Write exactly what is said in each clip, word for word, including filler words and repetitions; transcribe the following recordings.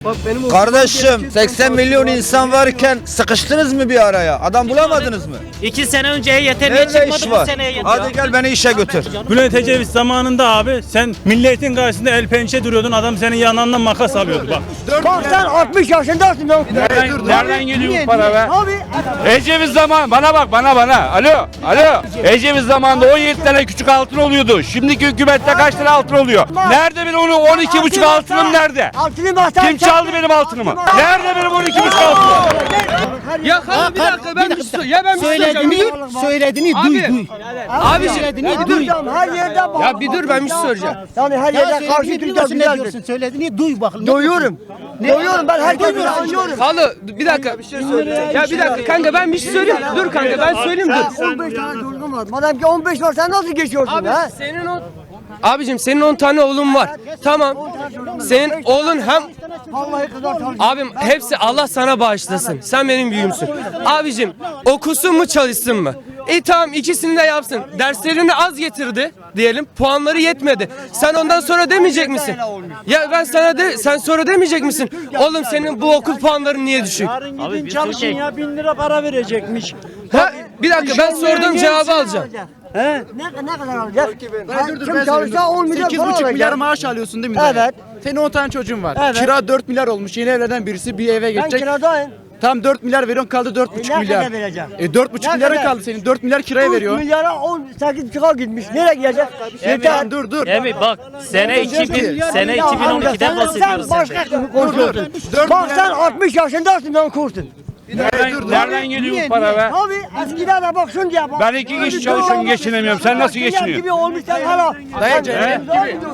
Kardeşim seksen milyon insan varken sıkıştınız mı bir araya? Adam bulamadınız mı? İki sene önceye yeter niye Nerede çıkmadı iş bu var? seneye yeter. Hadi gel beni işe götür. Bülent Ecevit zamanında abi sen milletin karşısında el pençe duruyordun, adam senin yanından makas alıyordu bak. Bak sen altmış yaşındasın lan. Nereden, nereden geliyor bu para be? Abi Ecevit zaman bana bak bana bana. Alo alo. Ecevit zamanında on yedi tane küçük altın oluyordu. Şimdiki hükümette kaç tane altın oluyor? Nerede benim onu on iki buçuk altınım nerede? altını masal. Kim çaldı benim altınımı? Nerede benim on iki buçuk altınım? Ya hanım bir dakika ben bir şey söyleyeyim. Ya ben bir şey söyleyeceğim. Bir dur. Söylediğini Abi. duy duy. Abi Söylediğini duy. Her yerde bak. Ya bir dur ben bir şey söyleyeceğim. Yani her yerde karşı Türkçe ne diyorsun? Söylediğini duy bakın. Doyuyorum. Doyuyorum ben herkese anlıyorum. Halı bir dakika. Ya bir dakika kanka ben bir şey söyleyeyim. Dur kanka ben söyleyeyim dur. on beş tane çocuğum var. Madem ki on beş var sen nasıl geçiyorsun Abi ha? senin o Abicim senin on tane oğlun var. Tamam. Senin oğlun hem Vallahi kadar çalışıyorum. abim hepsi Allah sana bağışlasın. Sen benim büyüğümsün. Abicim okusun mu çalışsın mı? E tamam ikisini de yapsın. Derslerini az getirdi diyelim. Puanları yetmedi. Sen ondan sonra demeyecek misin? Ya ben sana de sen sonra demeyecek misin? Oğlum senin bu okul puanların niye düşük? Abi gidin çalışın ya, bin lira para verecekmiş. Ha, bir dakika ben sorduğum cevabı alacağım. Ne, ne kadar alacak? Kim çalışsa on milyon sekiz para buçuk alacak. milyar maaş alıyorsun değil mi? Evet. dayı? Senin on tane çocuğun var. Evet. Kira dört milyar olmuş. Yeni evlerden birisi bir eve Ben geçecek. kiradayım. Tam dört milyar veriyorsun, kaldı dört buçuk ne milyar. kadar vereceğim? E dört buçuk Ne milyara kadar? kaldı senin. dört milyar kiraya üç veriyor. milyara on sekiz buçuğa gitmiş. Nereye gidecek? Yeter. Emin dur dur. Emi bak sene iki bin sene Ya iki bin on amca, ikiden sen- bahsediyoruz Sen sen. başka türlü konuşuyorsun. Dört Bak milyar- sen altmış yaşındasın lan kurtun. Nereden, nereden geliyor bu para be? Abi eskiden de bak şunu diye bak. Ben iki kişi çalışıyorum, geçinemiyorum. Sen nasıl Dünya geçiniyorsun? gibi olmuş sen hala. Dayı, Sen-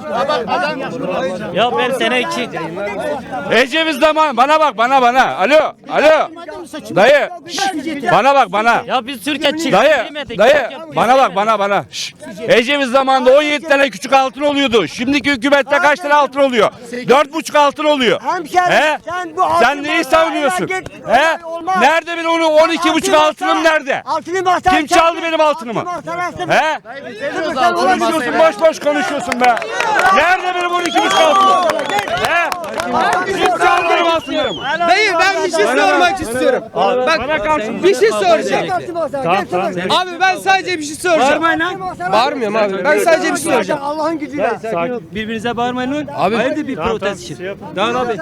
Ya ben sene iki. Ecevit zaman bana bak bana bana. Alo alo. Dayı. şşş, Bana bak bana. Ya biz Türkiye çift Dayı, bilmedik. dayı bana bak bana bana. Şşş. Ecevit zamanında on yedi tane küçük altın oluyordu. Şimdiki hükümette kaç tane altın oluyor? dört buçuk altın oluyor. Hemşerim, He? sen bu Sen altın neyi masaya savunuyorsun? git, He? olmaz. Nerede benim onu on iki buçuk altınım nerede? Altını masaya Kim çaldı çek. benim altınımı? Altını masaya çek. He? Sen ona Konuşuyorsun, gidiyorsun. boş boş konuşuyorsun be. Nerede benim on iki buçuk altınım? He? Kim çaldı benim altınlarımı? Dayı ben bir şey sormak istiyorum. Bak bir şey soracağım. Abi ben sadece bir şey soracağım. Bağırmıyorum abi. Ben sadece bir şey soracağım. Allah'ın gücüyle. Birbirinize bağırmayın lan. Abi Hayırdır bir protest için. Daha abi.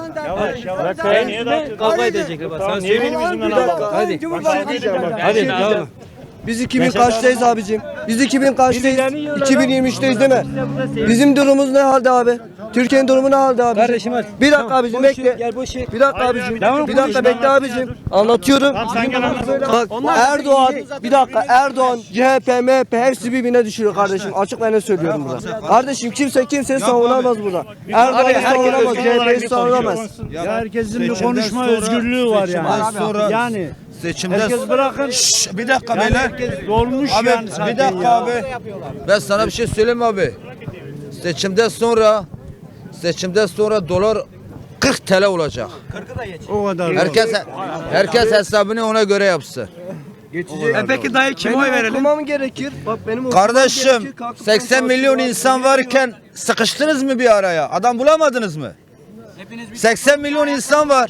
Kavga edecekler bak. Sen söyle. Hadi. Hadi tamam. Biz iki bin kaçtayız abicim? Biz iki bin kaçtayız? iki bin yirmi üçteyiz değil mi? Bizim durumumuz ne halde abi? Türkiye'nin durumu ne halde abi? Kardeşim hadi. Bir dakika abicim bekle. Gel boş ver. Bir dakika abicim. Tamam, Bir dakika konuş. bekle abicim. Anlatıyorum. Bak Erdoğan, bir dakika Erdoğan, C H P, M H P hepsi birbirine düşürüyor kardeşim. Açık ben ne söylüyorum burada. Kardeşim kimse kimseyi savunamaz burada. Erdoğan'ı savunamaz, C H P'yi savunamaz. Ya herkesin bir konuşma özgürlüğü var yani. Yani Seçimden herkes bırakın. Şşş, bir dakika beyler. Herkes dolmuş Abi yani zaten bir dakika ya. abi. Ben sana bir şey söyleyeyim mi abi. Seçimden sonra seçimden sonra dolar kırk T L olacak. O kadar. Herkes herkes hesabını ona göre yapsın. E peki dayı kime oy verelim? Okumam gerekir. Bak benim okumam Kardeşim gerekir. Kalkıp seksen ben milyon kalkıp insan varken sıkıştınız mı bir araya? Adam bulamadınız mı? seksen milyon insan var.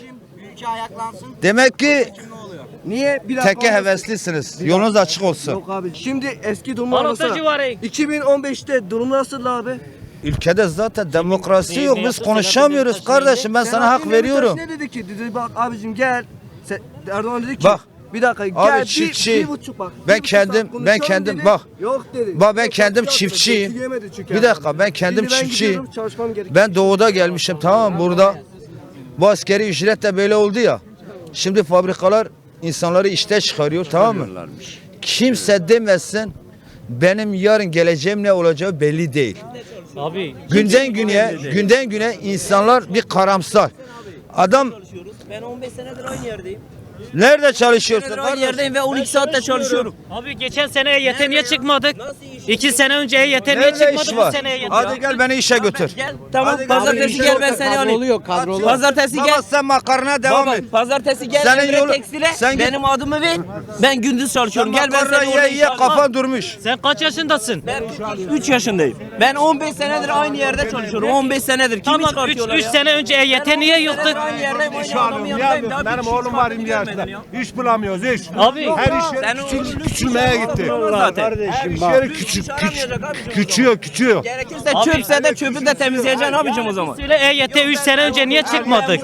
Demek ki Niye? Bir dakika. teke heveslisiniz. Yolunuz açık olsun. Yok abi. Şimdi eski durumu Barota anlatsana. civarı. iki bin on beşte durum nasıl abi? Ülkede zaten demokrasi yok. Biz yaptı, konuşamıyoruz Selahattin kardeşim. Ben sana hak Selahattin Demirtaş veriyorum. Ne dedi ki? Dedi bak abicim gel. Se- Erdoğan dedi ki Bak. bir dakika gel Abi bir- çiftçi. bir buçuk bak. Ben bir buçuk kendim- saat ben konuşalım kendim- dedi. bak. Yok dedi. Bak ben Yok, kendim yok, çiftçiyim. yemedi çünkü Bir dakika ben kendim Şimdi ben çiftçiyim. gidiyorum, çalışmam gerekiyor. Ben doğuda gelmişim tamam mı burada. Bu askeri ücret de böyle oldu ya. Şimdi fabrikalar insanları işte çıkarıyor tamam mı? Kimse demesin benim yarın geleceğim ne olacağı belli değil. Abi Günden güne, günden güne insanlar bir karamsar. Adam Ben on beş senedir aynı yerdeyim. Nerede çalışıyorsun? Aynı yerdeyim ve on iki saatte çalışıyorum. Abi geçen sene E Y T niye çıkmadık? İki sene önce E Y T niye Nerede çıkmadı iş bu var? sene E Y T? Hadi gel beni işe götür. Gel tamam pazartesi gel ben seni alayım. Oluyor kadrolu. Pazartesi gel. Baba sen makarna devam Baba et. pazartesi gel Senin Emre yolu- Tekstil'e sen git- benim adımı ver. Ben gündüz çalışıyorum. Gel ben Makarna seni orada ye ye işe kafan durmuş. Sen kaç yaşındasın? Ben üç yaşındayım. Ben on beş senedir aynı yerde çalışıyorum. on beş senedir. Kimi Tamam üç çıkartıyorlar ya? sene önce E Y T niye yoktuk? Aynı yerdeyim. Aynı adamın yanındayım. Daha bir Benim kişi oğlum var çıkartıyor yirmi yaşında. görmedin ya. İş bulamıyoruz iş. Abi Her iş Sen yeri o- küçül, küçülmeye gitti. Zaten. Her iş yeri küçük, küçük, küçüyor, küçüyor. Gerekirse çöpse de çöpü de temizleyeceksin abicim o zaman. söyle E Y T üç sene önce niye çıkmadık?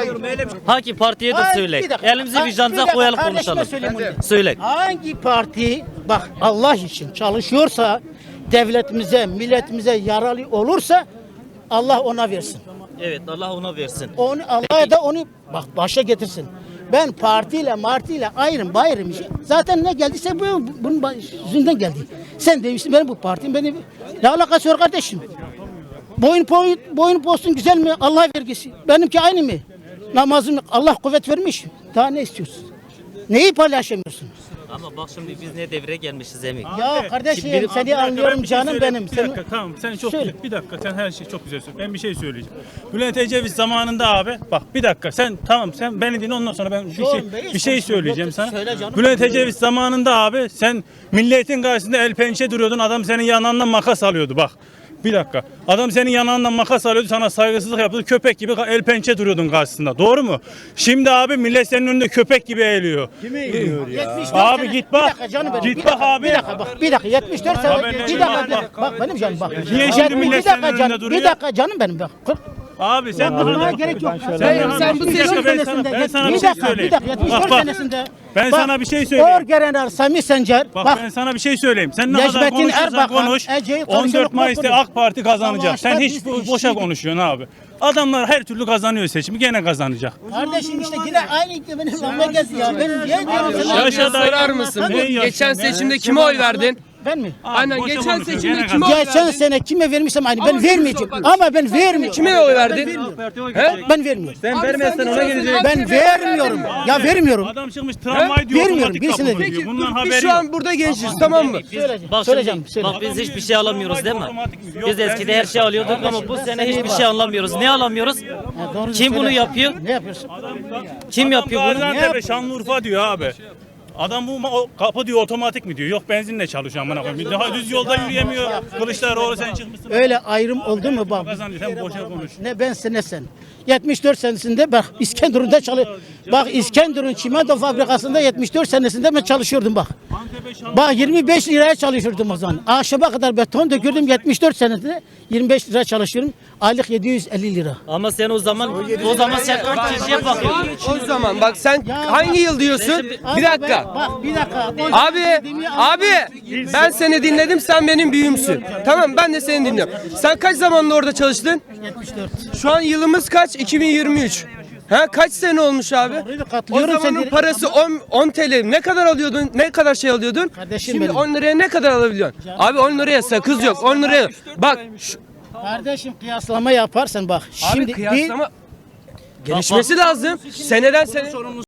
Hangi partiye de söyle. Bir dakika. Elimizi Ha, bir vicdanımıza dakika, koyalım kardeşime konuşalım. söyleyeyim bunu. Söyle. Hangi parti bak Allah için çalışıyorsa, devletimize, milletimize yararlı olursa Allah ona versin. Evet Allah ona versin. Onu Allah da onu bak başa getirsin. Ben partiyle martiyle ayrım bayrım işi. Zaten ne geldiyse bu bunun baş- yüzünden geldi. Sen demiştin benim bu partim benim ne alakası var kardeşim? Boyun boyun boyun postun güzel mi? Allah vergisi. Benimki aynı mı? Namazım Allah kuvvet vermiş. Daha ne istiyorsun? Neyi paylaşamıyorsun? Ama bak şimdi biz ne devre gelmişiz Emin. Ya kardeşim Şimdi- seni Bir dakika, anlıyorum ben bir şey canım söyleyeyim. benim. Bir Sen dakika tamam sen çok Söyle. güzel. Bir dakika sen her şey çok güzel söylüyorsun. Ben bir şey söyleyeceğim. Bülent Ecevit zamanında abi bak bir dakika sen tamam sen beni dinle ondan sonra ben bir Şu şey an beyiz bir şey konuşuyorum. söyleyeceğim Yok, sana. söyle canım. Bülent Ecevit zamanında abi sen milletin karşısında el pençe duruyordun adam senin yanağından makas alıyordu bak. Bir dakika. Adam senin yanağından makas alıyordu sana saygısızlık yapıyordu. Köpek gibi el pençe duruyordun karşısında. Doğru mu? Şimdi abi millet senin önünde köpek gibi eğiliyor. Kimi eğiliyor yetmiş dört Abi sene- git bak. Bir dakika canım benim. Git bir bak dakika, abi. Bir dakika bak. Bir dakika yetmiş dört sene. Abi ben Bir de- dakika. bak, bir dakika. Bak benim canım bak. Niye şimdi Yetmiş- millet bir dakika senin canım. önünde duruyor? Bir dakika canım benim bak. Kırk- Abi sen Anlamaya gerek yok. Sen, Sen, bana- sen bu bir dakika, seçim ben sana, senesinde. ben sana bir bir şey dakika, söyleyeyim. Bir dakika yetmiş Bak, dört bak. senesinde. Ben bak, sana bir şey söyleyeyim. Orgeneral Sami Sencer. Bak, Bak. ben sana bir şey söyleyeyim. Sen ne kadar Necmettin konuşursan Erbakan, konuş. Ece'yi on dört konuşarak Mayıs'ta konuş. AK Parti kazanacak. Allah Sen aşkına hiç biz de boşa işi- konuşuyorsun abi. Adamlar her türlü kazanıyor seçimi. Gene kazanacak. Kardeşim işte yine aynı benim lamba geldi ya. Ben niye diyorum sana? Yaşa Yaşa dayı. sorar mısın? Ne yaşa? Geçen Ne? seçimde kime oy verdin? Ben mi? Aynen boşa geçen konuşuyor, seçimde gene kime oy verdin? Geçen sene kime vermişsem aynı ben vermeyeceğim. Ama ben vermiyorum. Kime oy verdin? He? Ben vermiyorum. Sen vermezsen ona gelecek. Ben vermiyorum. Ya vermiyorum. Adam çıkmış tramvay diyor, Vermiyorum, otomatik birisine kapı de- diyor. Bundan Biz haberi şu yok. an burada gençiz tamam mı? Söyleyeceğim. Bak Söyleyeceğim. şimdi, Söyle. bak biz hiçbir şey alamıyoruz değil mi? Otomatik mi? Yok, Biz eskide her şey alıyorduk ama bu sene hiçbir şey alamıyoruz. Ne alamıyoruz? Ya doğru Kim bunu söyle. yapıyor? Ne yapıyorsun? Kim yapıyor bunu? Gaziantep'e Şanlıurfa diyor abi. Adam bu ma- o kapı diyor otomatik mi diyor. Yok benzinle çalışıyor amına koyayım. Daha düz yolda yürüyemiyor. Kılıçdaroğlu sen çıkmışsın. Öyle ayrım oldu mu bak? Kazanıyor. Sen boşa konuş. Ne ben sen ne sen. yetmiş dört senesinde bak İskenderun'da çalış. Bak İskenderun çimento fabrikasında yetmiş dört senesinde ben çalışıyordum bak. Bak yirmi beş liraya çalışıyordum o zaman. Ahşaba kadar beton dökürdüm yetmiş dört senesinde yirmi beş lira çalışıyorum. Aylık yedi yüz elli lira. Ama sen o zaman o zaman sen kaç kişiye bakıyordun? O zaman bak sen hangi yıl diyorsun? Bir dakika. Bak bir dakika. Abi, abi ben seni dinledim sen benim büyüğümsün. Tamam ben de seni dinliyorum. Sen kaç zamanında orada çalıştın? yetmiş dört. Şu an yılımız kaç? iki bin yirmi üç. Ha kaç sene olmuş abi? Orayı da O katılıyorum zamanın seni. parası on, on T L. Ne kadar alıyordun? Ne kadar şey alıyordun? Kardeşim Şimdi benim. on liraya ne kadar alabiliyorsun? Abi on liraya sakız yok. on liraya. Bak şu, Kardeşim kıyaslama yaparsan bak. abi Şimdi bir kıyaslama gelişmesi lazım. Seneden sene